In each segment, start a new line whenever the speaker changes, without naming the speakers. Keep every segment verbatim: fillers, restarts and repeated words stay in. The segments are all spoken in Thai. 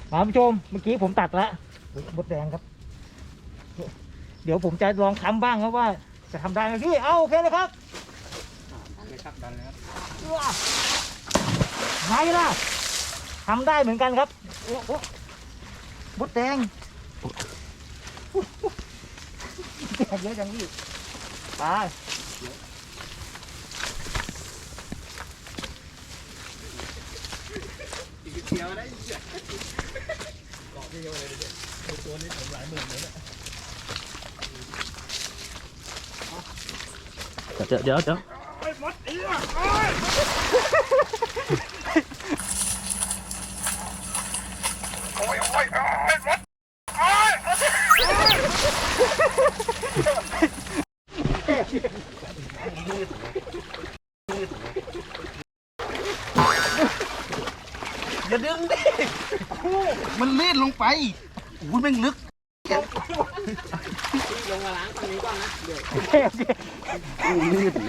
คุณผู้ชมเมื่อกี้ผมตัดแล้วมดแดงครับเดี๋ยวผมจะลองทำบ้างครับว่าจะทำได้ไหมพี่เอาโอเคเลยครับดันเลยครับดันเลยครับไงล่ะทำได้เหมือนกันครับโอ้โหมดแดงแดงเยอะจังพี่ไปเขียวได้เกาะพี่เยอะเลยเนี่ยตัวนี้ผมหลายหมื่นเลยเนี่ย
เดี๋ยวเดี๋ยวเดี๋ยว
ไอ้มดอีอ่ะโอ้ยโอ้ยโอ้ยมดโอ้ยอย่าดึงดิ
มันลื่นลงไปอุ้ยแม่งลึก
ลงมาล้างตรงนี้ก่อนนะเดี๋ยว
ลื่นนะ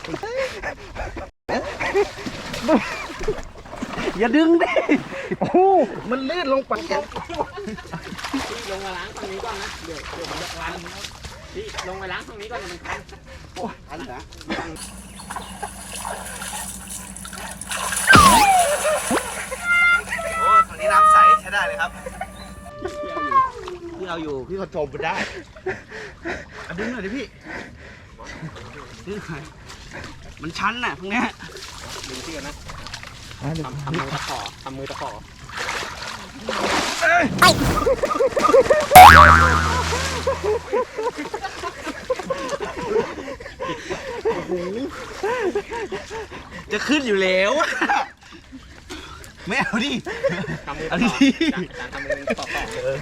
อย่าดึงดิโอ้
มันลื่นลงไป
พี่ลงมาล้างตรงนี้ก่อนนะเดี๋ยวเดี๋ยวมันจะคันพี่ลงมาล้างตรงนี้ก่อนมันคัน
โอ้ยอันนี้นะโอ้ตรงนี้น้ำใสใช้ได้เลยครับพี่เอาอยู่พี่ก็จมไปได้เอาดึงหน่อยดิพี่ดึงหน่อยมันชันน่ะตรงเนี้ย
ดึงพี่กันนะทำทำมือตะขอทำมือตะขอ
จะขึ้นอยู่แล้วไม่เอาดิ
ทำมือ
เอา
ตะ
ดิ
ขอจานทำมือตะขอ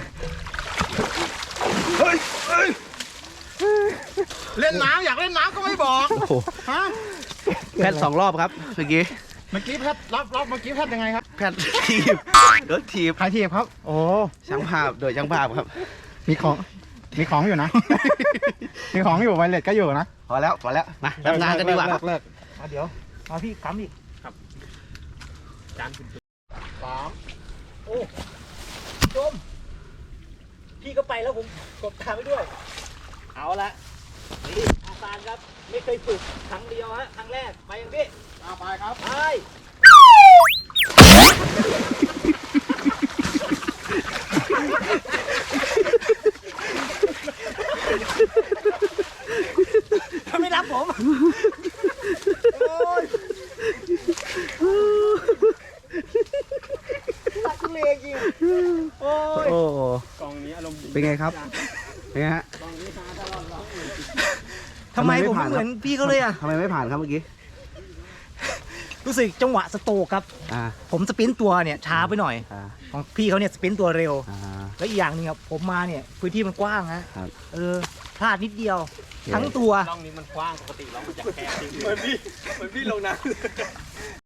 เฮ้ยเฮ้ยเล่นน้ำอยากเล่นน้ำก็ไม่บอกฮะแพทย์สองรอบครับเมื่อกี้
เมื่อกี้แพทย์รอบรอบเมื่อกี้แพทย์ยังไงครับ
แพทย์ทีบรถทีบ
ใครทีบครับโอ้
ช่างภาพโดยช่างภาพครับ
มีของมีของอยู่นะมีของอยู่ไวเลสก็อยู่นะ
พอแล้วพอแล้วมาทำงานกันดีกว่า
เลิกเดี๋ยวมาพี่ค้ำอีก
ครับจาน
สามโอ้ชมพี่ก็ไปแล้วผมกดตามไปด้วยเอาละนี่อาจารย์ครับไม่เคยฝึกครั้งเดียวฮะครั้งแรกไปยังพี่ไปครับไปถ้าไม่รับผมโอ้ยตักเลงจริงโอ้ย
โอ้
กองนี้อารมณ์
เป็นไงครับเป็นไงฮะ
กองนี้ฮาตลอดร้อง
ทำไมผมไม่เหมือนพี่เขาเลยอ่ะ
ทำไมไม่ผ่านครับเมื่อกี้
รู้สึกจังหวะสโตกครับผมสปรินต์ตัวเนี่ยช้าไปหน่อยของพี่เขาเนี่ยสปรินต์ตัวเร็วแล้วอีกอย่างหนึ่งครับผมมาเนี่ยพื้นที่มันกว้างฮะเออพลาดนิดเดียวทั้งตัว
ร่องนี้มันกว้างปกติร่องมันจะแคบจริงเหมือนพี่เหมือนพี่ลงน้ำ